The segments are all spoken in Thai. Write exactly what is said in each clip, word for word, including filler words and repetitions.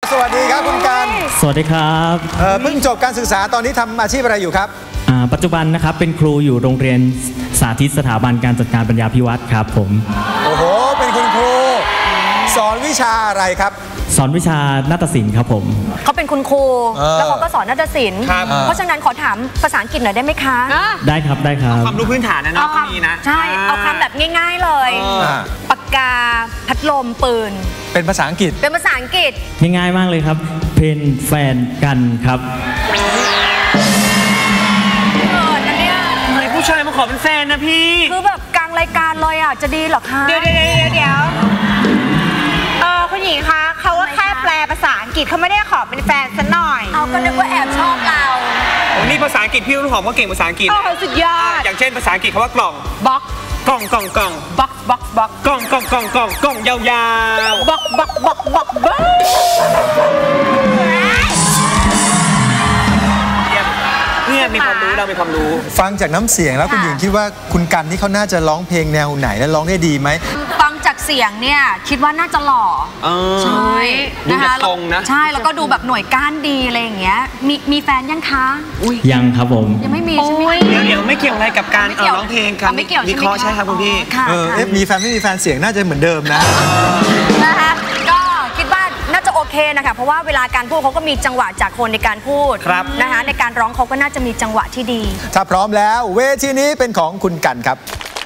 สวัสดีครับคุณกันสวัสดีครับเเพิ่งจบการศึกษาตอนนี้ทำอาชีพอะไรอยู่ครับปัจจุบันนะครับเป็นครูอยู่โรงเรียนสาธิตสถาบันการจัดการปัญญาภิวัตรครับผมโอ้โหเป็นคุณครูสอนวิชาอะไรครับสอนวิชานาฏศิลป์ครับผมเขาเป็นคุณครูแล้วเขาก็สอนนาฏศิลป์เพราะฉะนั้นขอถามภาษาอังกฤษหน่อยได้ไหมคะได้ครับได้ครับความรู้พื้นฐานนะเนาะมีนะใช่เอาคำแบบง่ายๆเลยปากกาพัดลมปืนเป็นภาษาอังกฤษเป็นภาษาอังกฤษง่ายๆมากเลยครับเป็นแฟนกันครับผู้ชายมาขอเป็นแฟนนะพี่คือแบบกลางรายการเลยอ่ะจะดีหรอคะเดี๋ยวเดี๋ยวเดี๋ยวเออคุณหญิงคะเขาว่าแค่แปลภาษาอังกฤษเขาไม่ได้ขอเป็นแฟนซะหน่อยเอาก็นึกว่าแอบชอบเราโอ้นี่ภาษาอังกฤษพี่รุ่นหอมก็เก่งภาษาอังกฤษโอ้สุดยอดอย่างเช่นภาษาอังกฤษคำว่ากล่องบ็อกกล่องกล่องกล่องบ็อกบ็อกบ็อกกล่องกล่องกล่องกล่องกล่องยาวๆบ็อกบ็อกบ็อกบ็อกบ็อกเนี่ยมีความรู้เรามีความรู้ฟังจากน้ำเสียงแล้วคุณหญิงคิดว่าคุณกันนี่เขาน่าจะร้องเพลงแนวไหนและร้องได้ดีไหมฟังจากเสียงเนี่ยคิดว่าน่าจะหล่อใช่นะคะตรงนะใช่แล้วก็ดูแบบหน่วยก้านดีอะไรอย่างเงี้ยมีมีแฟนยังคะยังครับผมยังไม่มีใช่ไหมเดี๋ยวเดี๋ยวไม่เกี่ยวอะไรกับการร้องเพลงครับไม่เกี่ยววิเคราะห์ใช่ครับคุณพี่เออมีแฟนไม่มีแฟนเสียงน่าจะเหมือนเดิมนะนะคะก็คิดว่าน่าจะโอเคนะคะเพราะว่าเวลาการพูดเขาก็มีจังหวะจากคนในการพูดนะคะในการร้องเขาก็น่าจะมีจังหวะที่ดีถ้าพร้อมแล้วเวทีนี้เป็นของคุณกันครับ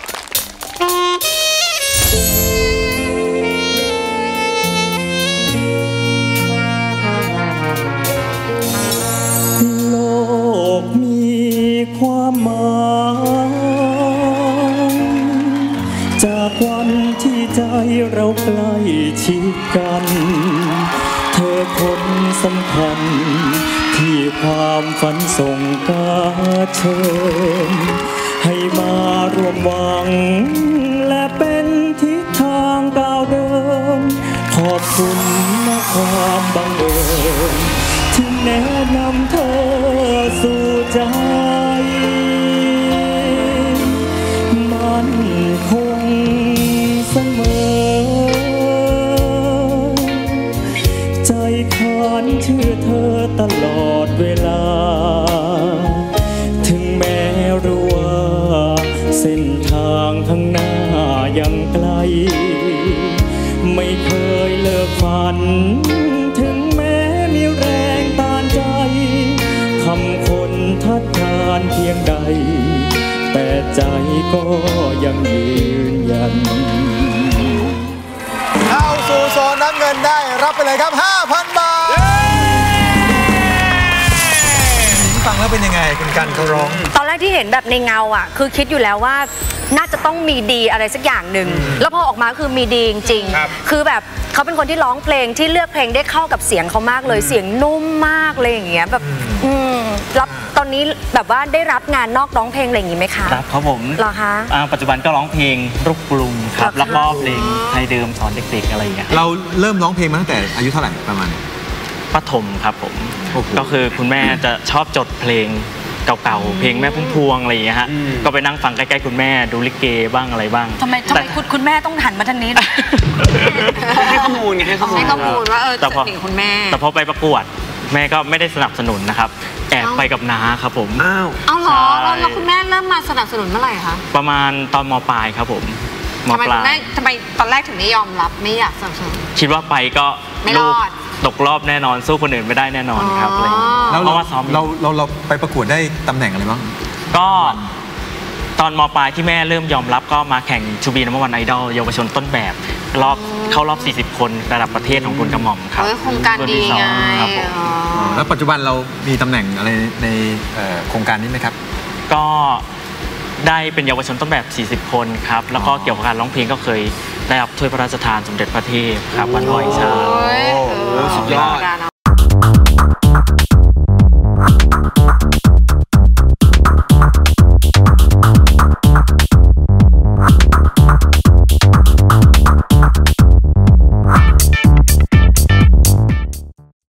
โลกมีความหมายจากวันที่ใจเราใกล้ชิดกันเธอคนสำคัญที่ความฝันส่งกาเชิญให้มารวมหวังและเป็นทิศทางก้าวเดินขอบคุณนะความบังเอิญที่แนะนำเธอสู่ใจมันคงเสมอใจขานเชื่อเธอตลอดเวลาถึงแม้รู้ว่าเส้นทางข้างหน้ายังไกลไม่เคยเลิกฝันถึงแม้มีแรงต้านใจคำคนทัดทานเพียงใดแต่ใจก็ยังยืนยันเข้าสู่โซนน้ำเงินได้รับไปเลยครับ ห้าพัน บาทฟังแล้วเป็นยังไงคุณกันเขาร้องตอนแรกที่เห็นแบบในเงาอ่ะคือคิดอยู่แล้วว่าน่าจะต้องมีดีอะไรสักอย่างหนึ่งแล้วพอออกมาคือมีดีจริงๆคือแบบเขาเป็นคนที่ร้องเพลงที่เลือกเพลงได้เข้ากับเสียงเขามากเลยเสียงนุ่มมากเลยอย่างเงี้ยแบบอืมรับตอนนี้แบบว่าได้รับงานนอกร้องเพลงอะไรอย่างงี้ไหมคะรับครับผมเหรอคะปัจจุบันก็ร้องเพลงลูกกรุงครับแล้วก็เพลงไทยเดิมสอนเด็กๆอะไรอย่างเงี้ยเราเริ่มร้องเพลงมาตั้งแต่อายุเท่าไหร่ประมาณประถมครับผมก็คือคุณแม่จะชอบจดเพลงเก่าๆเพลงแม่พุ่มพวงอะไรอย่างเงี้ยฮะก็ไปนั่งฟังใกล้ๆคุณแม่ดูลิเกบ้างอะไรบ้างทำไมทำไมคุณคุณแม่ต้องหันมาทางนี้ให้ข้อมูลไงให้ข้อมูลให้ข้อมูลว่าเออแต่พอคุณแม่แต่พอไปประกวดแม่ก็ไม่ได้สนับสนุนนะครับแอบไปกับน้าครับผมอ้าวเอาเหรอแล้วคุณแม่เริ่มมาสนับสนุนเมื่อไหร่คะประมาณตอนม.ปลายครับผมม.ปลายทำไมตอนแรกถึงไม่ยอมรับไม่อยากสนับสนุนคิดว่าไปก็ไม่รอดตกรอบแน่นอนสู้คนอื่นไม่ได้แน่นอนครับอะไรแล้วเราเราเราเราไปประกวดได้ตำแหน่งอะไรบ้างก็ตอนม.ปลายที่แม่เริ่มยอมรับก็มาแข่งชูบีนัมเบอร์วันไอดอลเยาวชนต้นแบบรอบเข้ารอบสี่สิบคนระดับประเทศของคุณกระหม่อมครับโครงการดีไงแล้วปัจจุบันเรามีตำแหน่งอะไรในโครงการนี้ไหมครับก็ได้เป็นเยาวชนต้นแบบสี่สิบคนครับแล้วก็เกี่ยวกับการร้องเพลงก็เคยได้รับถ้วยพระราชทานสมเด็จพระเทพครับวันลอยชาสุดยอด